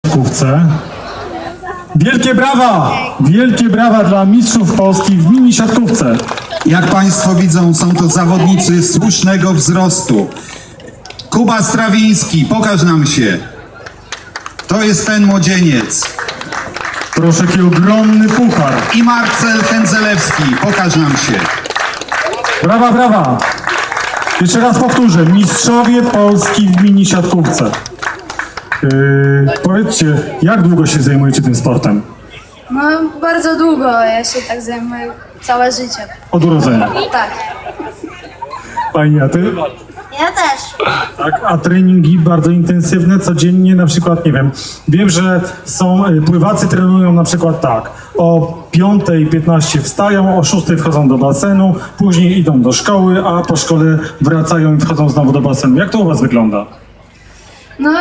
siatkówce. Wielkie brawa dla mistrzów Polski w mini siatkówce. Jak Państwo widzą, są to zawodnicy słusznego wzrostu. Kuba Strawiński, pokaż nam się. To jest ten młodzieniec. Proszę, jaki ogromny puchar. I Marcel Kędzelewski, pokaż nam się. Brawa. Jeszcze raz powtórzę, mistrzowie Polski w mini siatkówce. Powiedzcie, jak długo się zajmujecie tym sportem? No bardzo długo, ja się tak zajmuję całe życie. Od urodzenia. Tak. Pani, a ty? Ja też. Tak, a treningi bardzo intensywne, codziennie na przykład, nie wiem, że pływacy trenują na przykład tak, o 5:15 wstają, o 6:00 wchodzą do basenu, później idą do szkoły, a po szkole wracają i wchodzą znowu do basenu. Jak to u was wygląda? No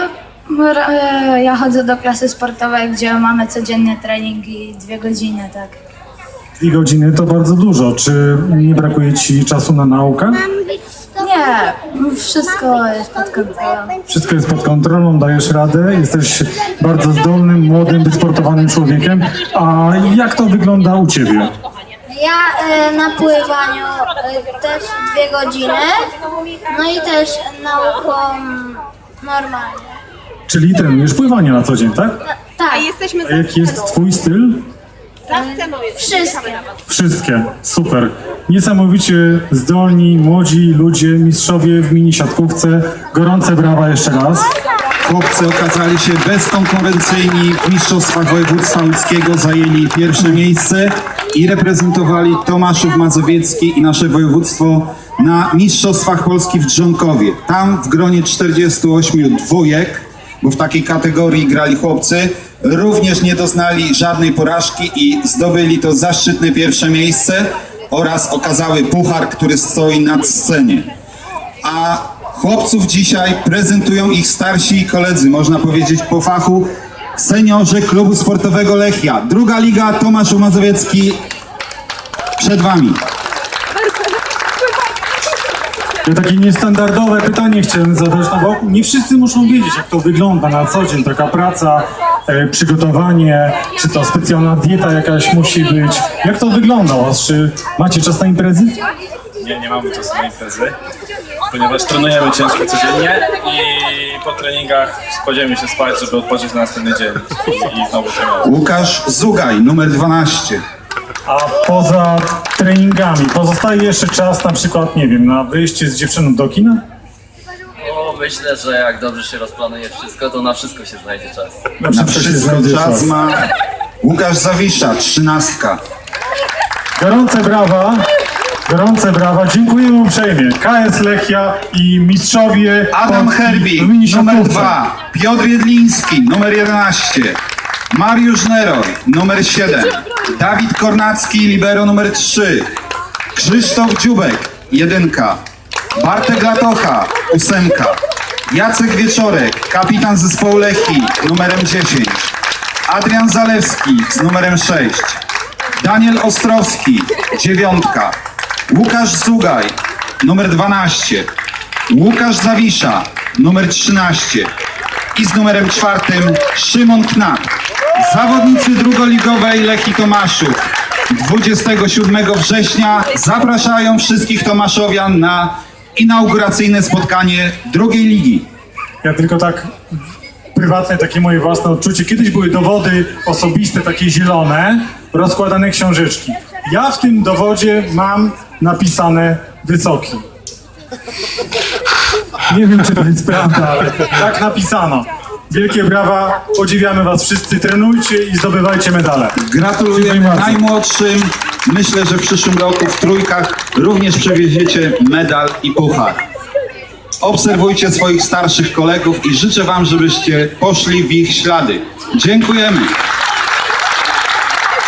ja chodzę do klasy sportowej, gdzie mamy codziennie treningi 2 godziny, tak. 2 godziny to bardzo dużo. Czy nie brakuje ci czasu na naukę? Nie, wszystko jest pod kontrolą. Wszystko jest pod kontrolą, dajesz radę, jesteś bardzo zdolnym, młodym, wysportowanym człowiekiem. A jak to wygląda u ciebie? Ja na pływaniu też 2 godziny, no i też nauką normalnie. Czyli trenujesz pływanie na co dzień, tak? Tak, A jaki jest twój styl? wszystkie. Wszystkie, super. Niesamowicie zdolni, młodzi ludzie, mistrzowie w mini siatkówce. Gorące brawa jeszcze raz. Chłopcy okazali się bezkonkurencyjni w mistrzostwach województwa łódzkiego, zajęli pierwsze miejsce i reprezentowali Tomaszów Mazowiecki i nasze województwo na mistrzostwach Polski w Drzonkowie. Tam w gronie 48 dwójek, bo w takiej kategorii grali chłopcy, również nie doznali żadnej porażki i zdobyli to zaszczytne pierwsze miejsce oraz okazały puchar, który stoi na scenie. A chłopców dzisiaj prezentują ich starsi koledzy, można powiedzieć po fachu, seniorzy klubu sportowego Lechia. Druga liga, Tomaszów Mazowiecki przed wami. Ja takie niestandardowe pytanie chciałem zadać, no bo nie wszyscy muszą wiedzieć, jak to wygląda na co dzień, taka praca, przygotowanie, czy to specjalna dieta jakaś musi być. Jak to wygląda u was? Czy macie czas na imprezy? Nie mamy czasu na imprezy, ponieważ trenujemy ciężko codziennie i po treningach kładziemy się spać, żeby odpocząć na następny dzień i znowu trenować. Łukasz Zugaj, numer 12. A poza treningami pozostaje jeszcze czas na przykład, nie wiem, na wyjście z dziewczyną do kina? No, myślę, że jak dobrze się rozplanuje wszystko, to na wszystko się znajdzie czas. Na wszystko czas ma Łukasz Zawisza, 13. Gorące brawa, dziękujemy uprzejmie. KS Lechia i mistrzowie Adam Polski Herbi, w mini numer siatkówce. 2. Piotr Jedliński, numer 11. Mariusz Neroy, numer 7. Dawid Kornacki, libero numer 3. Krzysztof Dziubek, 1. Bartek Latocha, 8. Jacek Wieczorek, kapitan zespołu Lechii, numerem 10. Adrian Zalewski z numerem 6. Daniel Ostrowski, 9. Łukasz Zugaj, numer 12. Łukasz Zawisza, numer 13. I z numerem 4 Szymon Knak. Zawodnicy drugoligowej Lechii Tomaszów 27 września zapraszają wszystkich tomaszowian na inauguracyjne spotkanie drugiej ligi. Ja tylko tak prywatne, takie moje własne odczucie. Kiedyś były dowody osobiste, takie zielone, rozkładane książeczki. Ja w tym dowodzie mam napisane wysoki. Nie wiem, czy to jest prawda, ale tak napisano. Wielkie brawa, podziwiamy was wszyscy, trenujcie i zdobywajcie medale. Gratulujemy Dziękuję bardzo. najmłodszym. Myślę, że w przyszłym roku w trójkach również przewieziecie medal i puchar. Obserwujcie swoich starszych kolegów i życzę wam, żebyście poszli w ich ślady. Dziękujemy.